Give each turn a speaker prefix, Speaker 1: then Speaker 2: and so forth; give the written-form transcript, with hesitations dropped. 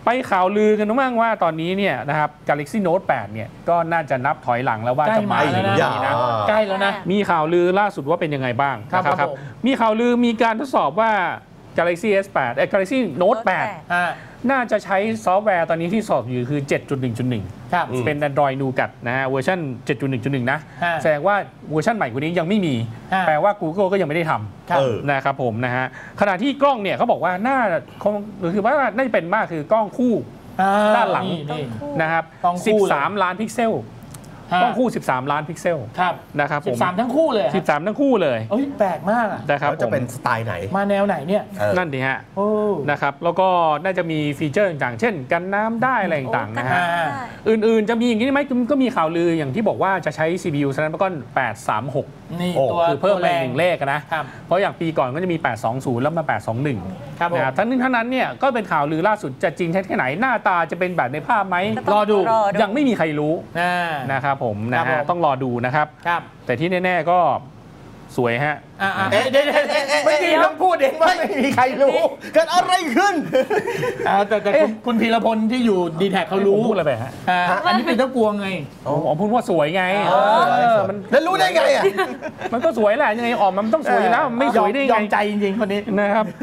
Speaker 1: ไปข่าวลือกันบ้างว่าตอนนี้เนี่ยนะครับ Galaxy Note 8เนี่ยก็น่าจะนับถอยหลังแล้วว่าจะมาในปีนี้นะ
Speaker 2: ใกล้แล้วนะ
Speaker 1: มีข่าวลือล่าสุดว่าเป็นยังไงบ้างนะครับมีข่าวลือมีการทดสอบว่า Galaxy S8 Galaxy Note 8น่าจะใช้ซอฟต์แวร์ตอนนี้ที่สอบอยู่คือ 7.1.1 เป็น Android Nougat นะฮะเวอร์ชัน 7.1.1 นะแสดงว่าเวอร์ชันใหม่กว่านี้ยังไม่มีแปลว่า Google ก็ยังไม่ได้ทำนะครับผมนะฮะขณะที่กล้องเนี่ยเขาบอกว่าน่าคือว่าน่าจะเป็นมากคือกล้องคู่ด้านหลังนะครับ13 ล้านพิกเซลกล้องคู่13 ล้านพิกเซลนะครับผม
Speaker 2: 13ทั้งคู่เลย
Speaker 1: 13ทั้งคู่เลย
Speaker 2: แปลกมาก
Speaker 1: นะครับ
Speaker 3: จะเป็นสไตล์ไหน
Speaker 2: มาแนวไหนเนี่ย
Speaker 1: นั่นดิฮะนะครับแล้วก็น่าจะมีฟีเจอร์ต่างๆเช่นกันน้ำได้อะไรต่างๆนะฮะอื่นๆจะมีอย่างนี้ไหมก็มีข่าวลืออย่างที่บอกว่าจะใช้ CPU Snapdragon 836
Speaker 2: นี่ตัว
Speaker 1: คือเพิ่มไป1เลขนะเพราะอย่างปีก่อนก็จะมี820แล้วมา821นะครับทั้งนี้ทั้งนั้นเนี่ยก็เป็นข่าวลือล่าสุดจะจริงแค่ไหนหน้าตาจะเป็นแบบในภาพไหมรอดูยังไม่มีใครรู้นะครับผมนะฮะต้องรอดูนะครับแต่ที่แน่ๆก็สวยฮะ
Speaker 2: เมื่อกี้ต้องพูดเองว่าไม่มีใครรู้
Speaker 3: เกิดอะไรขึ้น
Speaker 2: แต่คุณพีรพลที่อยู่ดีแท็กเขารู้
Speaker 1: พูดอะไรไปฮะ
Speaker 2: อันนี้เป็นเจ้ากวงไง
Speaker 1: พูดว่าสวยไง
Speaker 3: แล้วรู้ได้ไงอ่ะ
Speaker 1: มันก็สวยแหละยังไงออกมันต้องสวยอยู่แล้วไม่สวยได้ไง
Speaker 2: ยอมใจจริงๆคนนี้
Speaker 1: นะครับ